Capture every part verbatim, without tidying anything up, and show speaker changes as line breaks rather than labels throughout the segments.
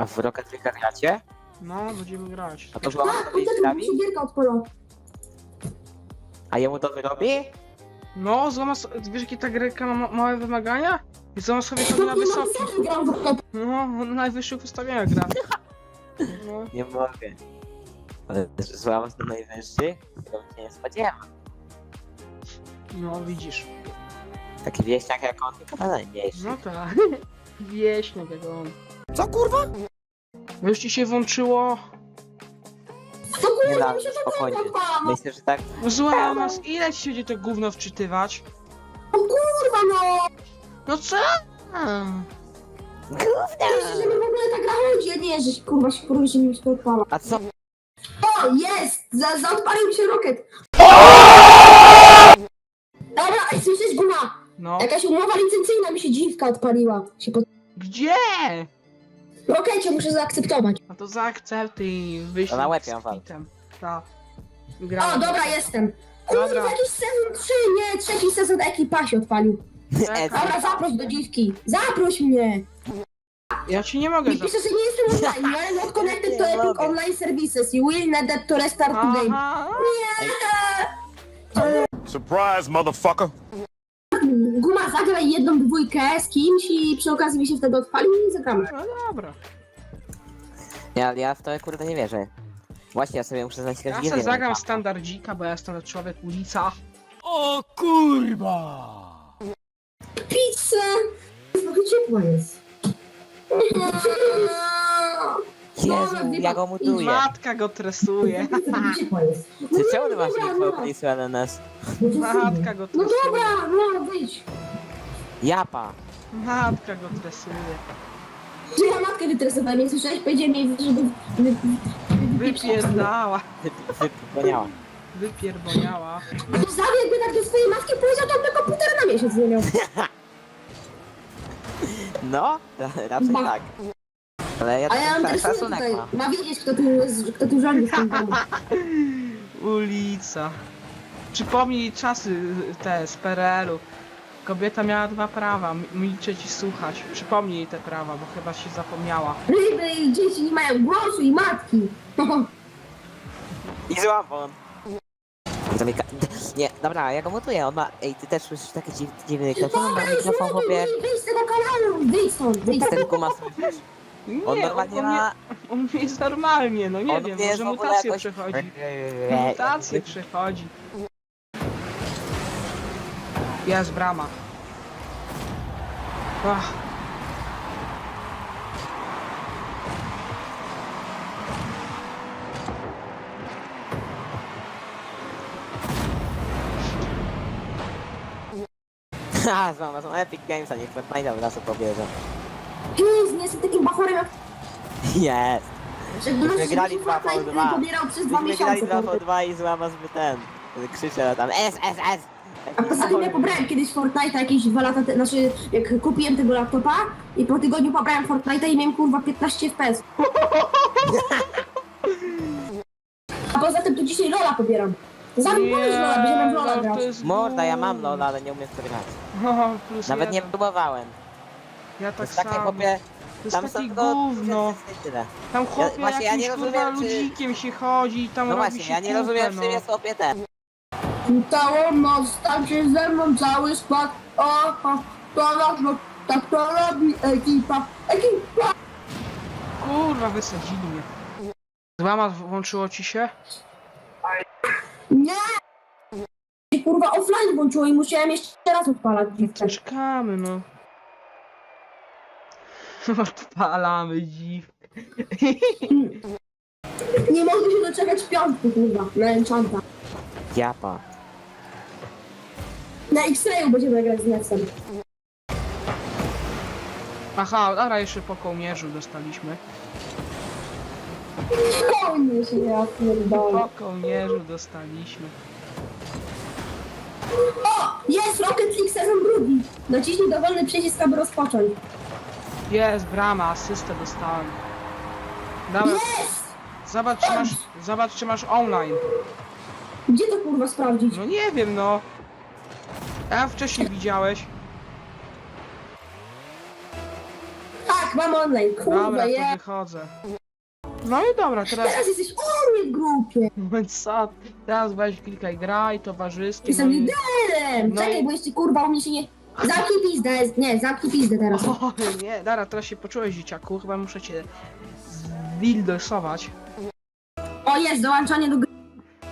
A w Rocket League gracie?
No, będziemy grać.
A to złamać
Tak,
sobie
poczekaj,
drzwi?
mi się gierka odpala.
A jemu to wyrobi?
No, złama so... wiesz jakie ta gierka ma ma- małe wymagania? I złama sobie chodzi na wysokich.
Ja gram w Rocket.
No, na najwyższych ustawieniach gra. No.
Nie mogę. Ale złamać na najwyższych? To się nie spodziewam.
No, widzisz.
Taki wieśniak jak on, tylko na najmniejszy.
No tak. Wieśniak jak on.
Co kurwa?
Już ci się włączyło...
To
Nie
kurwa,
da,
mi się ta
spokojnie.
gierka odpala. No
Myślę, że tak.
Zła nas, ile ci się będzie to gówno wczytywać?
kurwa no.
No co?
Myślę, że mi w ogóle ta gra chodzi, a nie, że się, kurwa się kurwa się mi się to odpala.
A co?
O, jest! Za, zaodpalił mi się Rocket. Dobra, ej, słyszysz Guma?
No.
Jakaś umowa licencyjna mi się dziwka odpaliła. Się pod...
Gdzie?
Rokecie muszę zaakceptować.
A to zaakceptuj, wyślij
To na łeb
z
ją wal.
kwitem. Ta.
O,
Gra.
dobra, jestem.
Dobra.
Kurwa, jakiś sezon trzy, nie, trzeci sezon ekipa się odpalił.
Czekaj.
Dobra, zaproś do dziwki. Zaproś mnie.
Ja ci nie mogę
Nie
za...
pisze, że nie jestem online. You are not connected to
Nie
Epic
mogę.
Online Services. You will need that to restart the game.
Aha.
Surprise, motherfucker.
Guma, zagraj jedną dwójkę z kimś i przy okazji mi się wtedy odpalił i zagramy.
No dobra.
Ja, ja w to kurde nie wierzę. Właśnie ja sobie muszę znaleźć
Ja
jakieś
sobie zagram standardzika, bo ja jestem człowiek ulica.
O kurwa!
Pizza! Trochę ciepło jest.
Jezu, ja go mutuję.
Matka go tresuje.
Trochę ciepło jest.
Ty czemu ty masz info opisane na nas?
Matka go
No
tresuje.
dobra, no wyjdź.
Japa.
Matka go tresuje.
Czy ja matkę wytresowałem, nie słyszałeś? Powiedziałem jej, żeby... wy- wy-
Wypierdała.
Wypłoniała.
Wypierboniała.
Zawie, jakby tak do swojej matki powiedział, to on by komputer na miesiąc nie miał.
No, ra- raczej
Ba.
tak. Ale ja
A ja mam
tak
też
szacunek
tutaj,
mam.
ma wiedzieć, kto tu, jest, kto tu rządzi w tym domu.
Ulica. Przypomnij czasy te z P R L u. Kobieta miała dwa prawa, m- milczeć i słuchać. Przypomnij jej te prawa, bo chyba się zapomniała.
Ryby i dzieci nie mają głosu i matki.
I złapon. Zamyka... Nie, dobra, ja go mutuję, on ma... Ej, ty też słyszysz taki dziw, dziwny mikrofon? On ma
Dobra, już
mikrofon,
nie
chłopie...
wyjdź z tego kanału, wyjdź stąd, wyjdź
Ten
stąd.
guma słyszysz?
Nie,
On normalnie
on,
ma...
on jest normalnie, no nie
on
wiem,
nie jest
może
w ogóle
mutację
jakoś-
przechodzi. Mutację przechodzi. Jest brama. Ach.
Ha, złama, są Epic Games, a nie Fortnite od razu pobierze.
Jezu, nie jestem takim bachorem jak...
Jest!
Że
Myśmy grali dwa po
Fortnite
dwa.
pobierał przez dwa
Myśmy grali
miesiące.
dwa po dwa i złama zbyt ten. Krzyczę tam S, S, S!
A poza tym ja pobrałem kiedyś Fortnite'a jakieś dwa lata temu, znaczy jak kupiłem tego laptopa i po tygodniu pobrałem Fortnite'a i miałem kurwa piętnaście F P S. A poza tym tu dzisiaj Lola pobieram. Zanim powiesz Lola, będziemy w Lola
no
grać.
to jest
Morda, ja mam
gówno.
LOL, ale nie umiem w to grać.
O, plus
Nawet nie
jeden.
próbowałem.
Ja
To
tak
jest takie
samo.
chłopie...
To jest
Tam są
takie
tylko...
gówno.
Tyle.
Tam chłopie
właśnie ja
jakimś
nie
kurwa
rozumiem, czy-
ludzikiem się chodzi i tam
No
robi
właśnie,
się
ja nie
kupę,
rozumiem,
no.
czym jest chłopie ten.
Całą noc tańczy ze mną cały skład. Oho, to robią, tak to robi ekipa. Ekipa!
Kurwa, wysadzili mnie. Złama włączyło ci się?
Nie! I kurwa offline włączyło i musiałem jeszcze raz odpalać dziwkę.
Czekamy, no. Odpalamy dziwkę.
Nie mogę się doczekać piątku kurwa, na Enchanta.
Japa.
Na X-Rayu będziemy grać z Nexem.
Aha, dobra, jeszcze po kołnierzu dostaliśmy.
Kołnie się ja pierdolę.
Po kołnierzu dostaliśmy.
O! Jest Rocket League sezon drugi! Naciśnij dowolny przycisk, aby rozpocząć.
Jest, brama, asystę dostałem. Dawaj,
Jest!
zobacz czy masz, zobacz czy masz online.
Gdzie to kurwa sprawdzić?
No nie wiem, no. A wcześniej widziałeś.
Tak, Tak, mam online, kurwa,
Dobra, to
je.
wychodzę. No i dobra, teraz...
Teraz jesteś u mnie w grupie.
Moment, co? Teraz weź klikaj graj, towarzyskie, no
Jestem
i...
liderem.
No
Czekaj,
i-
bo jeszcze kurwa u mnie się nie... Zamknij pizdę, nie, zamknij pizdę teraz.
O, nie, dobra, teraz się poczułeś, dzieciaku, chyba muszę cię zwildosować.
O, jest, dołączanie do gry.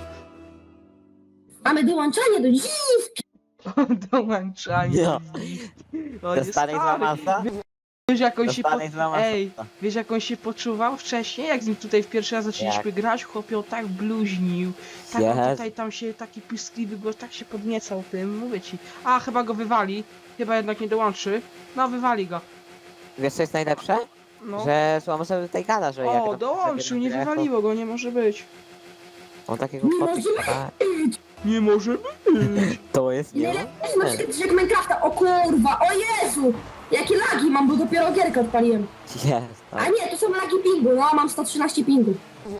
Mamy dołączanie do dziwki.
Dołączanie.
Jo.
O,
Do
nie,
starej
stary.
złamasa?
Wiesz jak on
Do
się po...
starej złamasa.
Ej, wiesz jak on się poczuwał wcześniej, jak z nim tutaj w pierwszy raz zaczęliśmy grać, chłopie, on tak bluźnił, tak on
Jest.
tutaj tam się, taki piskliwy głos, tak się podniecał tym, mówię ci. A, chyba go wywali, chyba jednak nie dołączy. No, wywali go.
Wiesz co jest najlepsze?
No.
Że Złama sobie tutaj gada, że jak
O,
tam
dołączył,
sobie
nie
na grę,
wywaliło go, nie może być.
On takiego
Nie
foty
może
gada.
Nie może być.
To jest nie.
Najlepszy masz jak Minecrafta, o kurwa, o Jezu! Jakie lagi mam, bo dopiero gierkę odpaliłem.
Jest.
A
Tak.
nie, to są lagi pingu, no mam sto trzynaście pingu.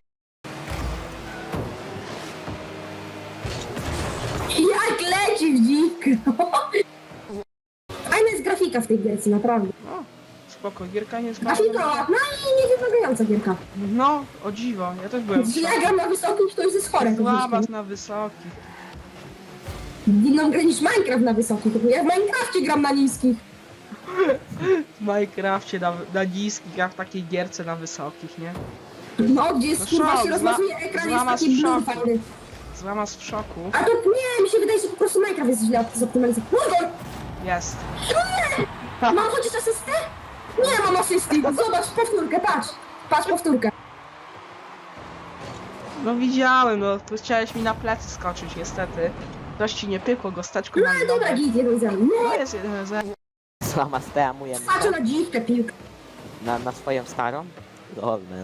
Jak leci w dziwkę. Fajna jest grafika w tej gierce, naprawdę.
No, spoko, gierka nie jest bardzo...
Grafika, no i niewymagająca gierka.
No, o dziwo, ja też byłem w
Jeśli ja
szoku.
gram na wysokim, to już jest chore.
Złamać na wysokich.
Inną grę niż Minecraft na wysokich, bo ja w Minecrafcie gram na niskich.
W Minecrafcie na, na niskich, a w takiej gierce na wysokich, nie?
No, gdzie jest
No
kurwa
szok,
się rozmazuje ekran, jest
złama z
taki blue
szoku.
fajny.
Złamasz w szoku.
A to nie, mi się wydaje, że po prostu Minecraft jest źle zoptymalizowany. Murgol!
Jest.
Mam chociaż asystę? Nie mam asysty. Zobacz powtórkę, patrz. Patrz powtórkę.
No widziałem, no, tu chciałeś mi na plecy skoczyć, niestety. Coś ci nie pykło, gosteczku
No
na
ale dobra,
nogę.
git, jeden zero.
No
No,
jest jeden zero.
Złama steamuje
patrzę na dziwkę piłkę.
na, na swoją starą. Lol, man.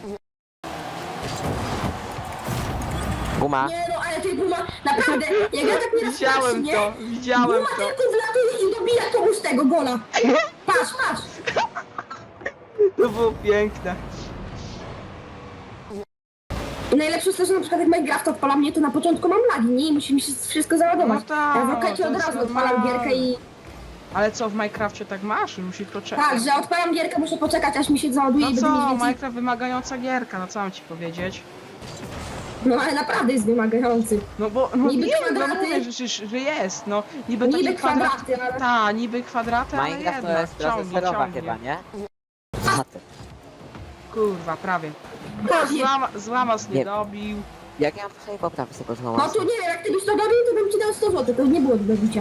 Guma.
Nie no, ale ty Buma, naprawdę, jak ja tak nie raz
Widziałem
nie?
to, widziałem
Buma
to.
tylko wlatuje i dobija komuś tego gola. Patrz, patrz.
To było piękne.
I najlepsze jest to, że na przykład jak Minecraft odpala mnie, to na początku mam lagi, nie? I musi mi się wszystko załadować.
No tak,
Ja w rokecie
to
od
jest
razu odpalam
normalne.
gierkę i...
Ale co, w Minecrafcie tak masz? Musisz poczekać.
Tak, że odpalam gierkę, muszę poczekać, aż mi się załaduje
No
i będę
co,
mieć więcej...
Minecraft wymagająca gierka, no co mam ci powiedzieć?
No ale naprawdę jest wymagający.
No bo, no
Niby
nie, no
kwadraty.
mówię, że, że, że jest, no. Niby,
Niby
takie kwadraty.
kwadraty, ale...
Ta, niby kwadraty, ale
Minecraft to
jednak
jest
ciągnie,
proceserowa
ciągnie.
chyba, nie? Zatem.
Kurwa, prawie.
Prawie.
Złama, złamas nie
Nie.
dobił.
Jak ja mam tutaj poprawić tego
No
złama?
to nie wiem, jak ty byś to dobił, to bym ci dał sto złotych, to nie było do bicia.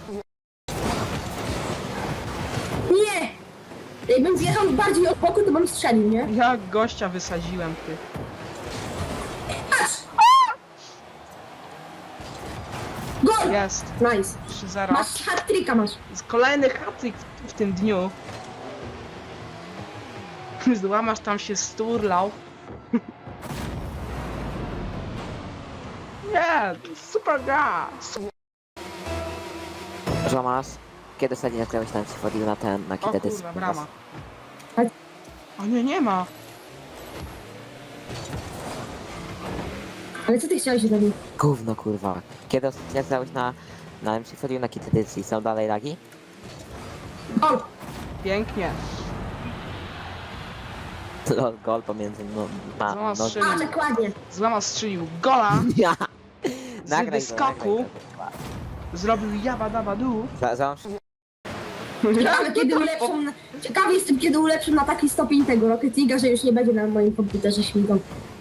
Nie! Jakbym zjechał bardziej od boku, to bym strzelił, nie?
Ja gościa wysadziłem, ty.
Patrz! Gol!
Jest.
Nice.
trzy zero.
Masz hat-tricka, masz.
Kolejny hatryk w, w tym dniu. Złamasz tam się sturlał. Nie, super gra.
Złamas. Kiedy ostatnio nagrałeś tam wchodził na ten, na
O
kitę
kurwa, brama.
Tak.
O nie, nie ma.
Ale co ty chciałeś robić?
Gówno kurwa. Kiedy ostatnio nagrałeś na, na M C wchodził na kitę edycji, są dalej lagi?
Gol!
Pięknie.
Lol, gol pomiędzy no, na,
Złamas
no,
strzelił.
A, dokładnie.
Złamasz strzelił gola.
ja.
Z
Nagraj go,
wyskoku.
nagraj go.
Zrobił jaba daba du.
Za, za,
Ciekawe, kiedy ulepszą... na- Ciekawy jestem, kiedy ulepszą na taki stopień tego Rocket League'a, że już nie będzie na moim komputerze śmigał.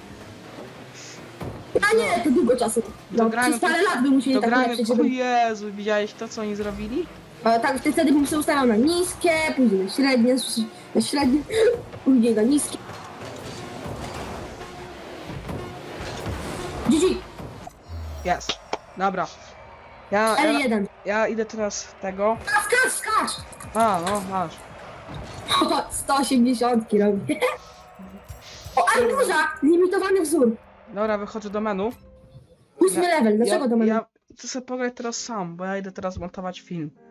A nie, to długo czasu. No,
Dogramy
przez parę lat by musieli tak
Dogramy,
ulepszyć,
o
żeby...
Jezu, widziałeś to, co oni zrobili?
A, tak, wtedy bym sobie ustawiał na niskie, później na średnie, na średnie, później na niskie. G G!
Jest. Dobra. Ja,
L
ja,
jeden.
ja idę teraz tego.
Skacz, skacz!
A, no, masz.
O, sto osiemdziesiąt robię. O, arbuza! Limitowany wzór.
Dobra, wychodzę do menu.
Ósmy level, dlaczego
ja,
do mnie?
Ja chcę sobie pograć teraz sam, bo ja idę teraz montować film.